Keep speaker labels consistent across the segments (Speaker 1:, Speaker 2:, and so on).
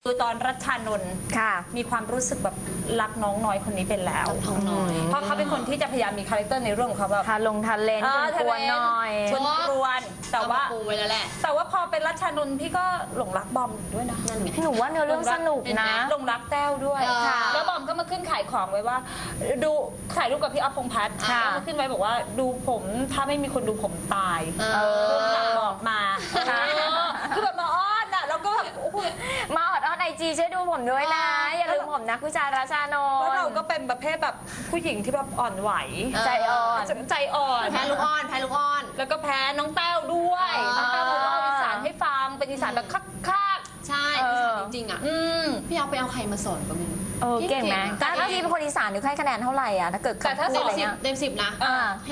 Speaker 1: คือตอนรัชชานนท์มีความรู้สึกแบบรักน้องน้อยคนนี้เป็นแล้วเพราะเขาเป็นคนที่จะพยายามมีคาแรคเตอร์ในเรื่องของเขาแบบ
Speaker 2: ทาเลนกวนหน่อย
Speaker 1: ชวนกวนแต่ว่าพอเป็นรัชชานนท์พี่ก็หลงรักบอมด้วยนะ
Speaker 2: หนูว่าเนื้อเรื่องสนุกนะ
Speaker 1: หลงรักแต้วด้วยแล้วบอมก็มาขึ้นขายของไว้ว่าดูถ่ายรูปกับพี่อ๊อฟพงษ์พัฒน์ก็มาขึ้นไว้บอกว่าดูผมถ้าไม่มีคนดูผมตายหลังบอกมาคือแบบมาอ้อนอ่ะแล้วก็แบบ
Speaker 2: มาออดไอจีช่วยดูผมด้วยนะอย่าลืมผมนะผู้ชายราชานนท์
Speaker 1: แล้วเราก็เป็นประเภทแบบผู้หญิงที่แบบอ่อนไหว
Speaker 2: ใจอ่อน
Speaker 1: แพ้ลูกอ่อนแล้วก็แพ้น้องแต้วด้วยน้องแต้วเขาเล่าอีสานให้ฟังเป็นอีสานแบบคัก
Speaker 3: ใช่อีสานจริงๆอ่ะพี่เอาไปเอาใครมาสอนก็ไม่รู้
Speaker 2: เก่งไหมถ้าพี่เป็นคนอีสานหนูให้คะแนนเท่าไหร่อ่ะถ้าเกิด
Speaker 3: แต่ถ้าเต็ม 10นะให้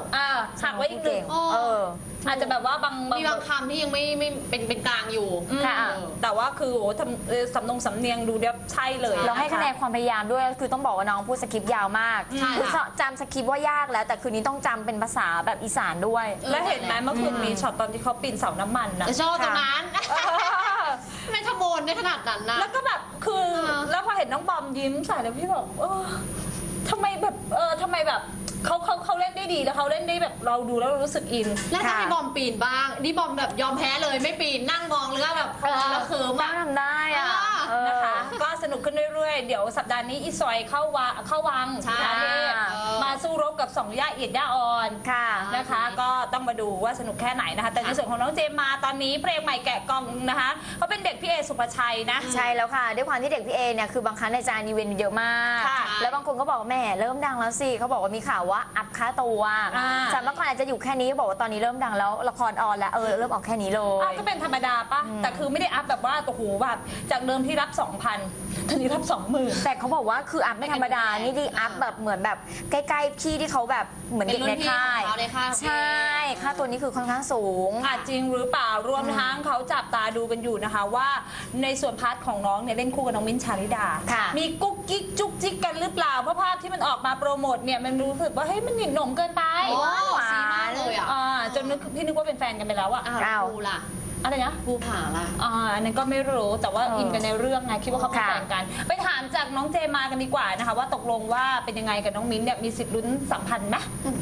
Speaker 3: 9
Speaker 1: หักไว้อีก1อาจจะแบบว่า
Speaker 3: มีบางคำที่ยังไม่เป็นกลางอยู่
Speaker 1: แต่ว่าคือสำเนียงดูเดี๋ยวใช่เลย
Speaker 2: เราให้คะแนนความพยายามด้วยคือต้องบอกว่าน้องพูดสคริปต์ยาวมากคือจำสคริปต์ว่ายากแล้วแต่คืนนี้ต้องจำเป็นภาษาแบบอีสานด้วย
Speaker 1: แล้วเห็นไหมเมื่อคืนมีช็อตตอนที่เขาปีนเสาน้ำมันนะ
Speaker 3: ชอบตรงนั้นไม่ขโมยได้ขนาดนั้นนะ
Speaker 1: แล้วก็แบบคือแล้วพอเห็นน้องบอมยิ้มใส่แล้วพี่บอกทำไมแบบเขาเล่นได้ดีแล้วเขาเล่นได้แบบเราดูแล้วรู้สึกอิน
Speaker 3: แล้วถ้าให้บอมปีนบ้างนี่บอมแบบยอมแพ้เลยไม่ปีนนั่งมองเลยแบบเราเขิม
Speaker 2: ทำได้อะ
Speaker 1: นะคะก็สนุกขึ้นเรื่อยๆเดี๋ยวสัปดาห์นี้อีซอยเข้าวังมาสู้รบกับ2ย่าเอียดย่าอ่อนนะคะก็ต้องมาดูว่าสนุกแค่ไหนนะคะแต่ในส่วนของน้องเจมมาตอนนี้เพลงใหม่แกะกล่องนะคะเขาเป็นเด็กพี่เอสุภชัยนะ
Speaker 2: ใช่แล้วค่ะด้วยความที่เด็กพี่เอเนี่ยคือบางครั้งในจานอีเวนต์เยอะมากแล้วบางคนก็บอกแม่เริ่มดังแล้วสิเขาบอกว่ามีข่าวว่าอัพค่าตัวจากเมื่อก่อนอาจจะอยู่แค่นี้บอกว่าตอนนี้เริ่มดังแล้วละครออนแล้วเริ่มออกแค่นี้เลย
Speaker 1: ก็เป็นธรรมดาปะแต่คือไม่ได้อัพแบบว่าโอ้โหแบบจากเดิมที่รับ 2,000 ตอนนี้รับ 20,000
Speaker 2: แต่เขาบอกว่าคืออัพไม่ธรรมดานี่ดีอัพแบบเหมือนแบบใกล้ๆพี่ที่เขาแบบเหมือนเด็กในค่ายใช่ค่าตัวนี้คือค่อนข้างสูง
Speaker 1: จริงหรือเปล่ารวมทั้งเขาจับตาดูกันอยู่นะคะว่าในส่วนพาร์ทของน้องเนี่ยเล่นคู่กับน้องมิ้นท์ชาลิดามีกุ๊กกิ๊กจุ๊กจิ๊กกันหรือเปล่าเพราะภาพที่มันออกมาโปรโมทเนี่ยมันรู้สึกว่าเฮ้ยมันหนิหนมเกินไป
Speaker 3: สีมากเลย
Speaker 1: จนพี่นึกว่าเป็นแฟนกันไปแล้วอะ
Speaker 3: ภูล่ะ
Speaker 1: อะไรนะ
Speaker 3: ภูผาล่ะ
Speaker 1: อันนั้นก็ไม่รู้แต่ว่าอินกันในเรื่องไงคิดว่าเขาเป็นแฟนกันไปถามจากน้องเจมากันดีกว่านะคะว่าตกลงว่าเป็นยังไงกับน้องมิ้นท์เนี่ยมีสิทธิ์ลุ้นสัมพันธ์ไหม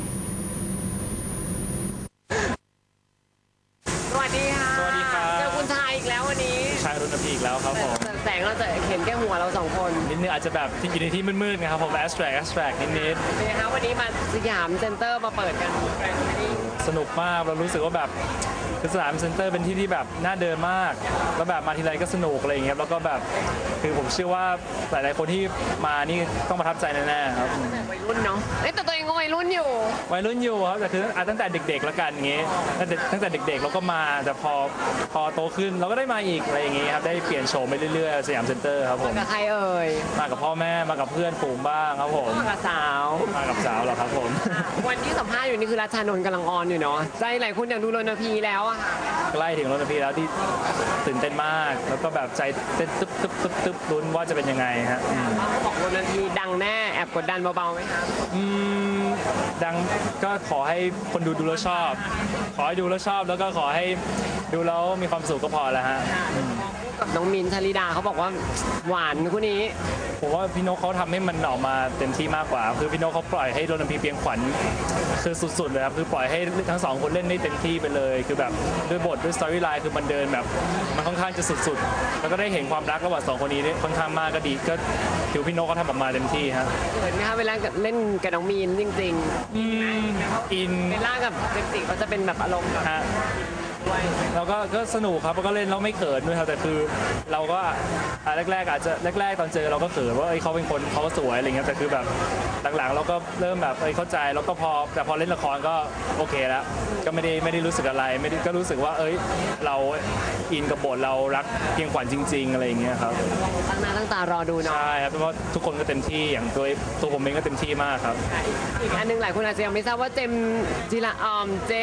Speaker 4: สวัสดีค่ะ
Speaker 5: สวัสดีครับ
Speaker 4: เจอคุณชายอีกแล้ววันนี้
Speaker 5: ชายรุ่นพี่อีกแล้วครับผม
Speaker 4: แสงเราจะเห็นแค่หัวเรา2 คน
Speaker 5: นิดนึงอาจจะแบบที่อยู่ในที่มืดๆนะครับผมแอสแทรกนิด
Speaker 4: เป็นไงคะวันนี้มาสยามเซ็นเตอร์มาเปิดกัน
Speaker 5: สนุกมากเรารู้สึกว่าแบบคือสยามเซ็นเตอร์เป็นที่ที่แบบน่าเดินมากแล้วแบบมาทีไรก็สนุกอะไรอย่างเงี้ยแล้วก็แบบคือผมเชื่อว่าหลายๆคนที่มานี่ต้องประทับใจแน่ๆครับ
Speaker 4: วัยรุ่นเนาะแต่ตัวเองก็วัยรุ่นอยู่
Speaker 5: ครับแต่คือตั้งแต่เด็กๆแล้วกันอย่างเงี้ยตั้งแต่เด็กๆเราก็มาแต่พอโตขึ้นเราก็ได้มาอีกอะไรอย่างเงี้ยครับได้เปลี่ยนโฉมไปเรื่อยๆสยามเซ็นเตอร์ครับผม
Speaker 4: มากับใครเอ่ย
Speaker 5: มากับพ่อแม่มากับเพื่อนฝูงบ้างครับผม
Speaker 4: มากับสาว
Speaker 5: เหรอครับผม
Speaker 4: วันที่สัมภาษณ์อยู่นี่คือรัชชานนท์กำลังออนอยู่เนาะใจหลายคนอยากดูรณพีแล้วอะค่ะ
Speaker 5: ใกล้ถึงรณพีแล้วที่ตื่นเต้นมากแล้วก็แบบใจเต้นตึ๊บลุ้นว่าจะเป็นยังไงฮะ
Speaker 4: เขาบอกรณพีดังแน่แอบกดดันเบาๆไหมคะ
Speaker 5: ดังก็ขอให้คนดูแล้วชอบขอให้ดูแล้วชอบแล้วก็ขอให้ดูแล้วมีความสุขก็พอแล้วฮะ
Speaker 4: กับน้องมิ้นท์ชาลิดาเขาบอกว่าหวานคู่นี้
Speaker 5: ผมว่าพี่นกเขาทำให้มันออกมาเต็มที่มากกว่าคือพี่นกเขาปล่อยให้รณพีเพียงขวัญคือสุดๆเลยครับคือปล่อยให้ทั้ง2คนเล่นได้เต็มที่ไปเลยคือแบบด้วยบทด้วยสตอรี่ไลน์คือมันเดินแบบมันค่อนข้างจะสุดๆแล้วก็ได้เห็นความรักระหว่าง2คนนี้ค่อนข้างมากก็ดีก็ถือพี่นกเขาทำออกมาเต็มที่ฮะ
Speaker 4: เห็นไหมคะเวลาเล่นกับน้องมิ้นท์จริงๆ
Speaker 5: อิน
Speaker 4: เวลากับเจมส์จิเขาจะเป็นแบบอารมณ์
Speaker 5: ฮะเราก็สนุกครับแล้วก็เล่นแล้วไม่เขินด้วยครับแต่คือเราก็แรกตอนเจอเราก็เขินว่าเขาเป็นคนเขาสวยอะไรเงี้ยแต่คือแบบหลังๆเราก็เริ่มแบบเข้าใจแล้วก็พอเล่นละครก็โอเคแล้วก็ไม่ได้รู้สึกอะไรไม่ได้ก็รู้สึกว่าเราอินกับบทเรารักเพียงขวัญจริงๆอะไรอย่างเงี้ยครับ
Speaker 4: ตั้งหน้าตั้งตารอดูเนาะ
Speaker 5: ใช่ครับเพราะว่าทุกคนก็เต็มที่อย่างตัวผมเองก็เต็มที่มากครับ
Speaker 4: อีกอันนึงหลายคนอาจจะยังไม่ทราบว่าเจม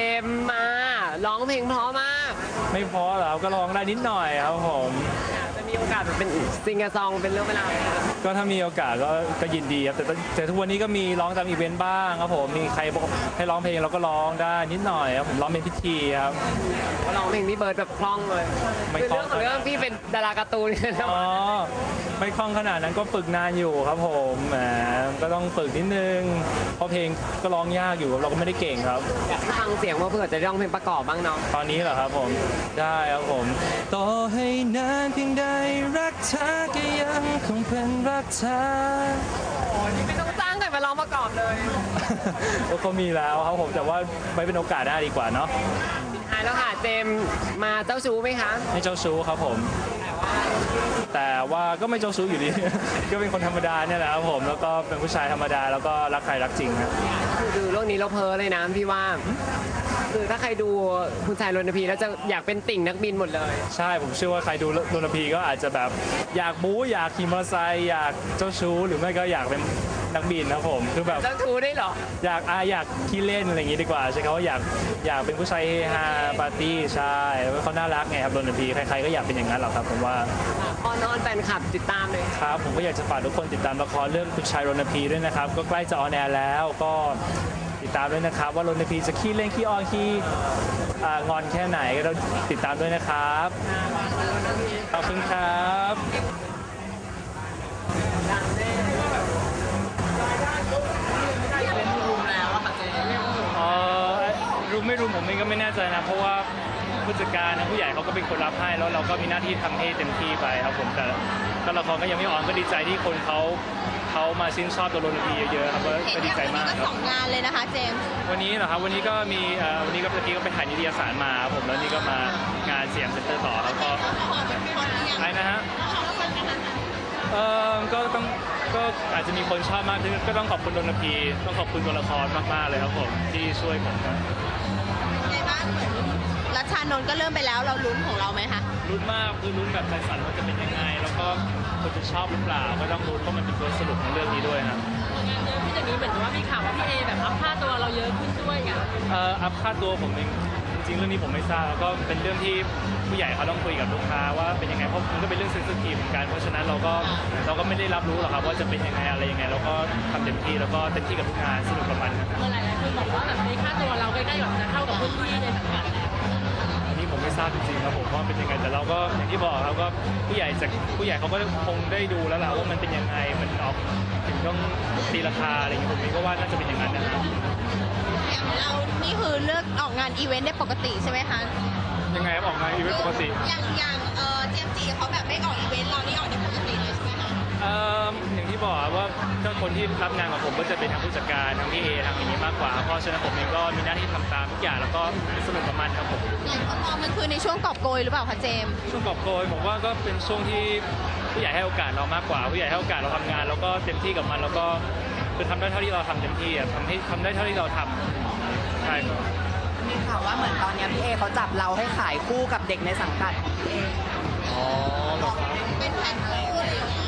Speaker 4: มาร้องเพลงเพราะมาก
Speaker 5: ไม่เพราะหรอก็ร้องได้นิดหน่อยครับผม
Speaker 4: จะมีโอกาสเป็นซิงเกิลซองเป็นเรื่องเวลาวไหมคะ
Speaker 5: ก็ถ้ามีโอกาสก็ยินดีครับแต่ทุกวันนี้ก็มีร้องตามอีเวนต์บ้างครับผมมีใครบอกให้ร้องเพลงเราก็ร้องได้นิดหน่อยครับผมร้องเป็นพิธีครับ
Speaker 4: ก็ร้องเพลงพี่เบิร์ดแบบคล่องเลย
Speaker 5: ไม่
Speaker 4: คือ
Speaker 5: คล่อง
Speaker 4: เรื่องของเรื่องพี่เป็นดาราการ์ตูนนะ
Speaker 5: อ๋อไม่คล่องขนาดนั้นก็ฝึกนานอยู่ครับผมแหมก็ต้องฝึกนิดนึงเพราะเพลงก็ร้องยากอยู่เราก็ไม่ได้เก่งครับ
Speaker 4: อยากให้ฟังเสียงว่าเผื่อจะร้องเพลงประกอบบ้างเนาะ
Speaker 5: ตอนนี้เหรอครับผมได้ครับผมต่อให้นานเพียงใดรักเธอก็ยังคงเป็นรักเธอ
Speaker 4: ไม่ต้องจ้างใครมาร้องประกอบเลย
Speaker 5: ก็มีแล้วครับผมแต่ว่าไว้เป็นโอกาสหน้าดีกว่าเนาะ
Speaker 4: ท้ายแล้วค่ะเจมส์มาเจ้าชู้ไหมคะ
Speaker 5: ไม่เจ้าชู้ครับผม แต่ว่าก็ไม่เจ้าชู้อยู่ดี ก็เป็นคนธรรมดาเนี่ยแหละครับผมแล้วก็เป็นผู้ชายธรรมดาแล้วก็รักใครรักจริงครับ
Speaker 4: คือดูเรื่องนี้เราเพ้อเลยนะพี่ว่า คือถ้าใครดูคุณชายรณพีแล้วจะอยากเป็นติ่งนักบินหมดเลย
Speaker 5: ใช่ผมเชื่อว่าใครดูรณพีก็อาจจะแบบอยากบู๊อยากขี่มอเตอร์ไซค์อยากเจ้าชู้หรือไม่ก็อยากเป็นนักบินนะครับผมคือแบบ
Speaker 4: เจ้าชู้ได้เหรอ
Speaker 5: อยากขี้เล่นอะไรอย่างงี้ดีกว่าใช่เขาว่าอยากเป็นผู้ชายเฮฮาปาร์ตี้ใช่แล้วเขาน่ารักไงครับรณพีใครๆก็อยากเป็นอย่างนั้นหรอกครับผมว่า
Speaker 4: อ้อนๆแฟนคลับติดตามเลย
Speaker 5: ครับผมก็อยากจะฝากทุกคนติดตามละครเรื่องคุณชายรณพีด้วยนะครับก็ใกล้จะออนแอร์แล้วก็ติดตามด้วยนะครับว่ารณพีจะขี้เล่นขี้อ้อนขี้งอนแค่ไหนก็ต้องติดตามด้วยนะครับขอบคุณครับรุมไม่รุมผมเองก็ไม่แน่ใจนะเพราะว่าผู้จัดการนะผู้ใหญ่เขาก็เป็นคนรับให้แล้วเราก็มีหน้าที่ทำให้เต็มที่ไปครับผมแต่ก็ละครก็ยังไม่ออนก็ดีใจที่คนเขามาชื่นชอบตัวรณพีเยอะๆครับก็ดีใจมากครับ
Speaker 3: 2 งานเลยนะคะเจมส์
Speaker 5: วันนี้เหรอครับวันนี้ก็มีวันนี้ก็เมื่อกี้ก็ไปถ่ายนิตยสารมาครับผมแล้วนี่ก็มางานสยามเซ็นเตอร์ต่อแล้วก็ใช่นะฮะก็อาจจะมีคนชอบมากขึ้นก็ต้องขอบคุณรณพีต้องขอบคุณตัวละครมากๆเลยครับผมที่ช่วยผมนะ
Speaker 3: ในบ้านเหมือนรัชชานนท์ก็เริ่มไปแล้วเราลุ้นของเราไหมคะ
Speaker 5: ลุ้นมากคือลุ้นแบบใจสั่นว่าจะเป็นยังไงแล้วก็คนจะชอบหรือเปล่าก็ต้องลุ้นเพราะมันเป็นตัวสรุปของเรื่องนี้ด้วยครับ
Speaker 6: ที่จากนี้เหมือนกับว่ามีข่าวว่าพี่เอแบบอัพค่าตัวเราเยอะขึ้นด้วยไง
Speaker 5: อัพค่าตัวผมเองจริงๆเรื่องนี้ผมไม่ทราบแล้วก็เป็นเรื่องที่ผู้ใหญ่เขาต้องคุยกับลูกค้าว่าเป็นยังไงเพราะมันก็เป็นเรื่องเซนซิทีฟเหมือนกันเพราะฉะนั้นเราก็ไม่ได้รับรู้หรอกครับว่าจะเป็นยังไงอะไรยังไงเราก็ทำเต็มที่แล้วก็เต็มที่กับทุกงานสนุกกับมันนะครับ
Speaker 6: หลายๆคนบอกว่าแบบในค่าตัวเราใกล้ๆกับจะเข้ากับรุ่นพี่ในสังกัดแล้ว
Speaker 5: อันนี้ผมไม่ทราบจริงๆครับผมว่าเป็นยังไงแต่เราก็อย่างที่บอกครับก็ผู้ใหญ่เขาก็คงได้ดูแล้วแหละว่ามันเป็นยังไงมันออกถึงต้องตีราคาอะไรอย่างเงี้ยผมเองก็ว่าน่าจะเป็นอย่างนั้นนะครับ
Speaker 3: อย่างเรานี่คือเลือกออกงานอีเวนต์ได้ปกติใช่ไหมคะ
Speaker 5: ยังไงครับออกมาอีเวนต์ปกติ
Speaker 3: อย่างเจมส์จีเขาแบบไม่ออกอีเวนต์เรานี่ออกได้ปกติเลยใช่ไหมคะ
Speaker 5: อย่างที่บอกครับว่าถ้าคนที่รับงานกับผมก็จะเป็นทางผู้จัดการทางพี่เอทางอย่างนี้มากกว่าเพราะฉะนั้นผมเองก็มีหน้าที่ทำตามทุกอย่างแล้วก็สนุกกับมันครับผม
Speaker 3: หลายคนมองมันคือในช่วงกอบโกยหรือเปล่าคะเจมส์
Speaker 5: ช่วงกอบโกยผมว่าก็เป็นช่วงที่ผู้ใหญ่ให้โอกาสเรามากกว่าผู้ใหญ่ให้โอกาสเราทำงานแล้วก็เต็มที่กับมันแล้วก็คือทำได้เท่าที่เราทำเต็มที่อะทำได้เท่าที่เราทำใช่ครับ
Speaker 7: มีข่าวว่าเหมือนตอนเนี้ยพี่เอเขาจับเราให้ขายคู่กับเด็กในสังกัดของพี่เอ
Speaker 5: อ๋อเหรอครับ
Speaker 3: เป็นแฟนคู่อะไรอย่างเงี้ย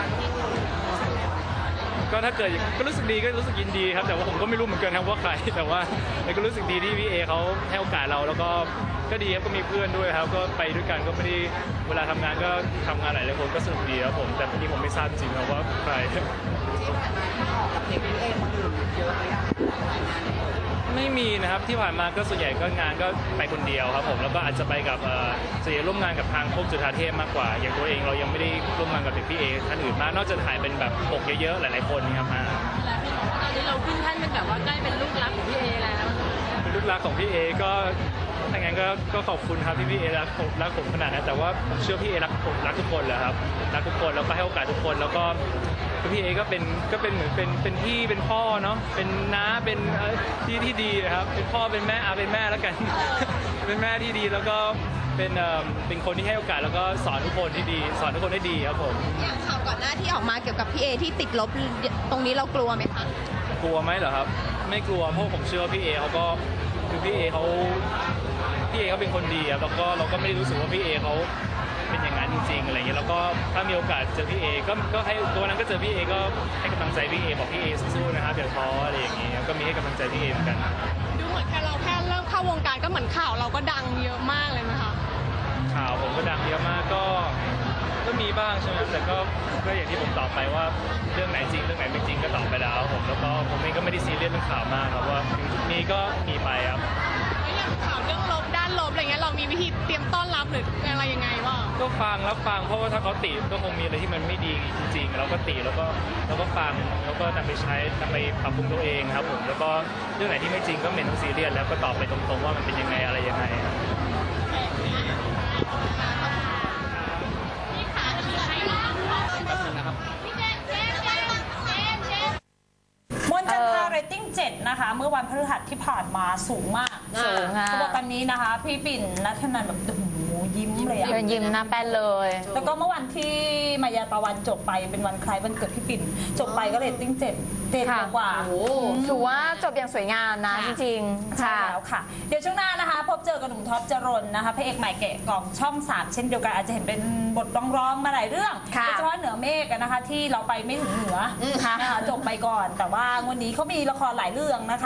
Speaker 5: ก็ถ้าเกิดก็รู้สึกดีก็รู้สึกยินดีครับแต่ว่าผมก็ไม่รู้เหมือนกันครับว่าใครแต่ว่าก็รู้สึกดีที่พี่เอเขาให้โอกาสเราแล้วก็ดีครับก็มีเพื่อนด้วยครับก็ไปด้วยกันก็ไม่ได้เวลาทำงานก็ทำงานหลายๆคนก็สนุกดีครับผมแต่ทีนี้ผมไม่ทราบจริงๆครับว่าใคร
Speaker 7: ออกกับเด็กพี่เอคนอื่นเยอะไหมอะ
Speaker 5: ไม่มีนะครับที่ผ่านมาก็ส่วนใหญ่ก็งานก็ไปคนเดียวครับผมแล้วก็อาจจะไปกับส่วนใหญ่ร่วมงานกับทางพวกจุฬาเทพมากกว่า อย่างตัวเองเรายังไม่ได้ร่วมงานกับพี่เอท่านอื่นมากนอกจากถ่ายเป็นแบบปกเยอะๆหลายๆคนครับมา
Speaker 6: ตอนนี้เราขึ้นแท่นเป็นแบบว่าใกล้เป็นลูกรักของพี่เอแล้ว
Speaker 5: เป็นลูกรักของพี่เอก็ถ้างั้นก็ขอบคุณครับที่พี่เอรักผมขนาดนั้นแต่ว่าผมเชื่อพี่เอรักทุกคนแหละครับรักทุกคนแล้วก็ให้โอกาสทุกคนแล้วก็พี่เอก็เป็นเหมือนเป็นพี่เป็นพ่อเนาะเป็นน้าเป็นที่ดีครับเป็นพ่อเป็นแม่เป็นแม่แล้วกัน เป็นแม่ที่ดีแล้วก็เป็นคนที่ให้โอกาสแล้วก็สอนทุกคนที่ดีสอนทุกคนได้ดีครับผม
Speaker 3: อย่างข่าวก่อนหน้าที่ออกมาเกี่ยวกับพี่เอที่ติดลบตรงนี้เรากลัวไหมคะ
Speaker 5: กลัวไหมเหรอครับไม่กลัวเพราะผมเชื่อว่าพี่เอเขาก็คือพี่เอเขาเป็นคนดีครับแล้วก็เราก็ไม่ได้รู้สึกว่าพี่เอเขาเป็นอย่างนั้นจริงๆอะไรอย่างเงี้ยแล้วก็ถ้ามีโอกาสเจอพี่เอก็ให้ตัวนั้นก็เจอพี่เอก็ให้กำลังใจพี่เอบอกพี่เอสู้ๆนะครับอย่าท้ออะไรอย่างเงี้ยก็มีให้กำลังใจพี่เอเหมือนกัน
Speaker 3: ดูเหมือนแค่เริ่มเข้าวงการก็เหมือนข่าวเราก็ดังเยอะมากเลยนะคะ
Speaker 5: ข่าวผมก็ดังเยอะมากก็ก็มีบ้างใช่ไหมแต่ก็อย่างที่ผมตอบไปว่าเรื่องไหนจริงเรื่องไหนไม่จริงก็ตอบไปแล้วผมแล้วก็ผมเองก็ไม่ได้ซีเรียสเรื่องข่าวมากครับว่ามีก็มีไปครับ
Speaker 6: แล้วอย่างข่าวเรื่องลบด้านลบอะไรเงี้ยเรามีวิธีเตรียมต้อนรับหรืออะไรยังไงบ้าง
Speaker 5: ก็ฟังรับฟังเพราะว่าถ้าเขาติก็คงมีอะไรที่มันไม่ดีจริงๆเราก็ติแล้วก็ฟังแล้วก็นำไปใช้นำไปปรับปรุงตัวเองครับผมแล้วก็เรื่องไหนที่ไม่จริงก็ไม่ต้องซีเรียสแล้วก็ตอบไปตรงๆว่ามันเป็นยังไงอะไรยังไงครับ
Speaker 1: มนต์จันทราเรตติ้ง 7 นะคะ เมื่อวันพฤหัสที่ผ่านมาสูงมาก
Speaker 2: สูงค่ะ
Speaker 1: เขาบอกตอนนี้นะคะ พี่ปิ่นนัทนันแบบโอ้โหยิ้มเลยอะ
Speaker 2: เดินยิ้มหน้าแป้นเลย
Speaker 1: แล้วก็เมื่อวันที่มายาตะวันจบไปเป็นวันคล้ายวันเกิดพี่ปิ่น จบไปก็เรตติ้ง 7 กว่า
Speaker 2: ถือว่าจบอย่างสวยงามนะจริงๆ
Speaker 1: ใช่
Speaker 2: ค่ะ
Speaker 1: แล้วค่ะ เดี๋ยวช่วงหน้านะคะ พบเจอกับหนุ่มท็อปจรนนะคะพระเอกใหม่แกะกล่องช่อง 3 เช่นเดียวกันอาจจะเห็นเป็นบทร้องๆมาหลายเรื่อง
Speaker 2: ค่ะ
Speaker 1: โดยเฉพาะเหนือเมฆอะนะคะ ที่เราไปไม่ถึงเหนือนะคะจบไปก่อน แต่ว่างวันนี้เขามีละครหลายเรื่องนะคะ